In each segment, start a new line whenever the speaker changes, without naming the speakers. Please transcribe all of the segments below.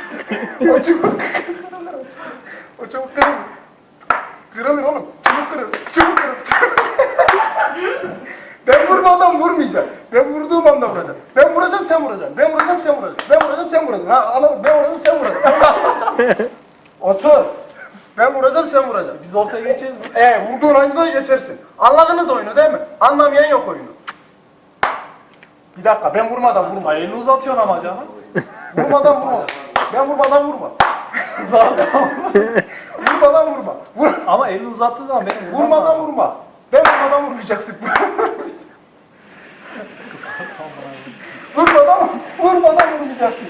O çubuk o çubuk kırılır. Kırılır oğlum. Çubuk kırılır. Çubuk kırılır. Ben vurmadan vurmayacağım. Ben vurduğum anda vuracağım. Ben vuracağım sen vuracaksın. Ben vuracağım sen vuracaksın. Ben vuracağım sen vuracaksın. Ha anladın? Ben vuracağım sen vuracaksın. Otur. Ben vuracağım sen vuracaksın.
Biz ortaya geçeceğiz mi?
Vurduğun anda geçersin. Anladınız oyunu değil mi? Anlamayan yok oyunu. Bir dakika ben vurmadan vurma.
Elini uzatıyorsun ama canım.
Vurmadan vurma. Ben vurmadan vurma. Vurmadan vurma.
Ama elini uzattığı zaman benim
Vurmadan vurma. Ben vurmadan vurmayacaksın. Vurmadan vurmayacaksın.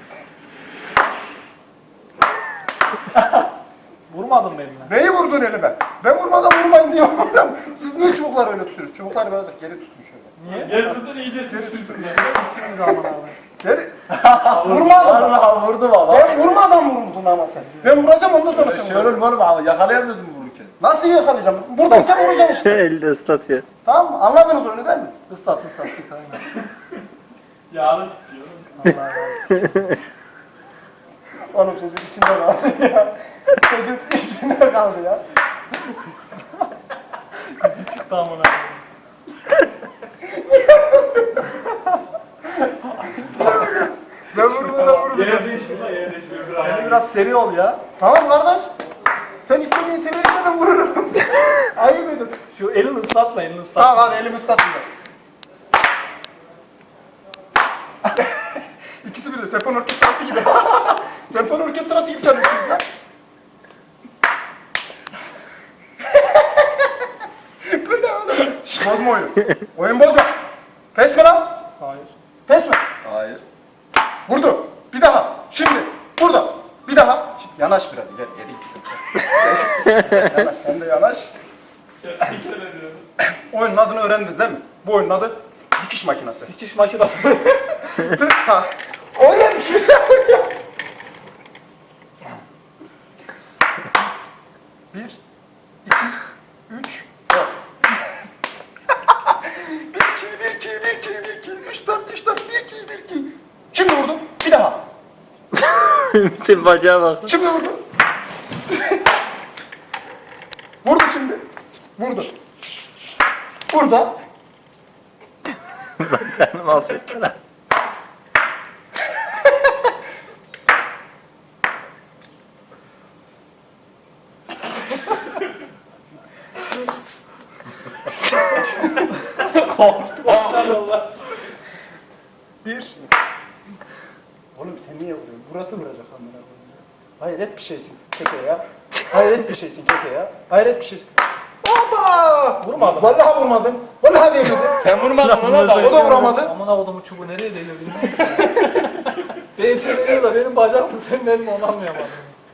Vurmadın mı eline?
Neyi vurdun elime? Ben vurmadan vurmayın diyorum. Siz niye çubukları öyle tutuyorsunuz? Çubukları biraz geri tutun şöyle.
Niye?
Geri tutun iyice sıkıştın ya.
Sizsiniz zaman abi.
Geri. Vurmadım.
Allah vurdu baba.
Ben vurmadan vurdun ama sen. Ben vuracağım ondan sonra sen
Şey olur mu oğlum abi yakalayamıyorsun vururken.
Nasıl yakalayacağım? Buradayken vuracaksın işte.
Elde ıslatıyor.
Tamam mı? Anladınız oyunu değil mi?
Islat sık aynen.
Yağını sıkıyor.
Allah razı
Oğlum çocuk içinde kaldı ya. Çocuk içinde kaldı ya.
Bizi çıktı amına.
Ben vurmadan vurmayacağım.
Yer değiştirme yer değiştirme.
Sen biraz seri ol ya.
Tamam kardeş. Sen istediğin seviyede ben vururum. Ayıp edin.
Şu elini ıslatma, elini ıslatma.
Tamam hadi elimi ıslatmayacağım. İkisi birde senfoni orkestrası gibi. Senfoni orkestrası gibi çalıyorsunuz ya. Bu ne oğlum? Şşş bozma oyunu. Oyun bozma. Pes mi lan?
Hayır.
Pes mi?
Hayır.
Vurdu. Bir daha. Şimdi. Burada. Bir daha. Şimdi yanaş biraz. Gel. Gel. Yanaş. Sen de yanaş. Oyunun adını öğrendiniz değil mi? Bu oyunun adı dikiş makinesi.
Sikiş makinası.
Tık tak. Öyle bir şey yaptım. 1, 2, 3, 4. 1, 2, 1, 2, 1, 2, 3, 4, 3, 4, 1, 2, 1, 2. Şimdi vurdum. Bir daha.
Bütün bacağa bak.
Şimdi vurdum. Vurdu şimdi. Vurdu. Burada.
Bacağını mahvettiler.
Bir. Oğlum sen niye vuruyorsun? Burası vuracak amına koyayım ya. Hayret bir şeysin keke ya. Hayret bir şeysin keke ya. Hayret bir şeysin. Oba!
Vurmadım.
Vallahi vurmadın. Vallahi değmedi.
Sen vurmadın ona da.
O da vuramadı.
Amına kodumu çubuğu nereye değiyor bilmiyorum. Benim çeviriyor da benim bacak mı senin elin onu anlayamadım.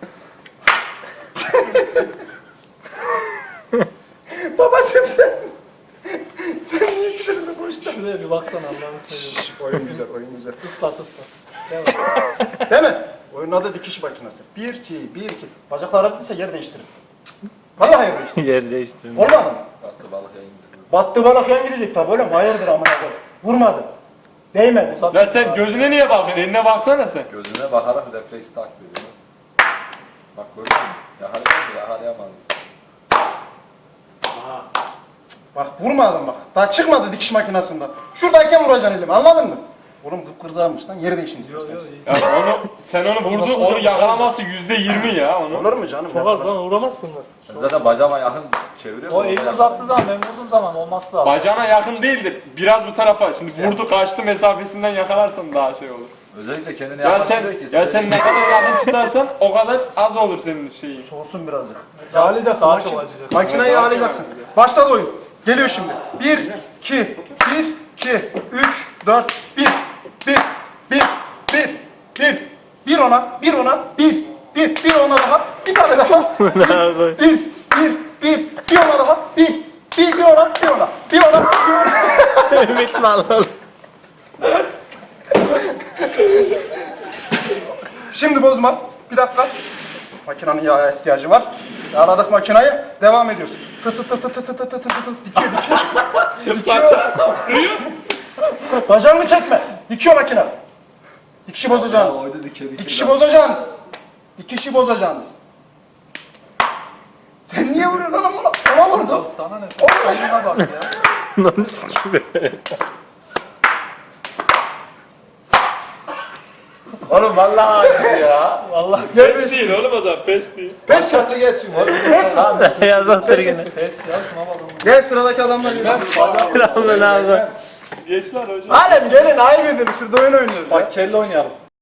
Babacım sen. Sen niye girdin boşta?
Şuraya bir baksana Allah'ını seviyorum.
Oyun güzel, oyun güzel.
Islat ıslat. Devam.
Değil mi? Oyunun adı dikiş makinesi. 1, 2, 1, 2. Bacaklar haklıysa yer değiştirin. Vallahi yer değiştirin.
Yer değiştirmiş.
Olmadı mı?
Baktı balık yayındı.
Battı balık yan gidecek tabi oğlum. Hayırdır amına koyayım. Vurmadı. Değmedi.
Lan sen gözüne niye bakıyorsun? Eline baksana sen.
Gözüne bakarak refleks takip ediyor. Bak gördün mü? Yakalayamadı, yakalayamadı.
Bak vurmadım bak. Daha çıkmadı dikiş makinesinden. Şuradayken vuracaksın elimi anladın mı? Oğlum kıpkırızarmış lan. Yeri değişin istersen.
Ya sen onu vurdun, onu yakalaması %20 ya onu.
Olur mu canım?
Çok az lan uğramaz bunlar.
Ben zaten bacağıma yakın çeviriyorum.
O elini uzattığı zaman ben vurduğum zaman olması lazım.
Bacağına yakın değil de biraz bu tarafa. Şimdi vurdu kaçtı mesafesinden yakalarsan daha şey olur.
Özellikle kendini
Ya
yakın
sen
tutuyor ki.
ya sen ne kadar yakın tutarsan o kadar az olur senin şeyin.
Soğusun birazcık. Yağlayacaksın.
Daha çok acıyacak.
Makineyi yağlayacaksın. Başladı oyun. Geliyor şimdi. 1, 2, 1, 2, 3, 4, 1, 1, 1, 1, 1, 1 ona, 1 ona, 1, 1 ona daha, bir tane daha. 1, 1 ona daha, 1 ona, 1 ona.
Ümit vallahi.
Şimdi bozma. Bir dakika. Makinenin yağa ihtiyacı var. Yağladık makinayı. Devam ediyoruz. Tı tı tı tı tı tı tı tı tı tı. Dikiyor. Bacağını çekme. Dikiyor makine. İki kişi bozacaksınız.
Oydu dike
İki kişi bozacaksınız. İki kişi bozacaksınız. Sen niye vuruyorsun oğlum ona? Ona vurdum.
Sana ne?
Oğlum
Şuna bak ya.
Lan sikim.
Oğlum vallahi acı ya.
Vallahi
Gel
Pes değil oğlum o da pes değil.
Başkası geçsin oğlum.
Yaz otur yine.
pes ya şuna bak.
Gel sıradaki adamlar gelsin.
Lan abi.
Geç lan hocam.
Alem gelin ayıp edin şurada oyun oynuyoruz ya.
Bak kelle oynayalım.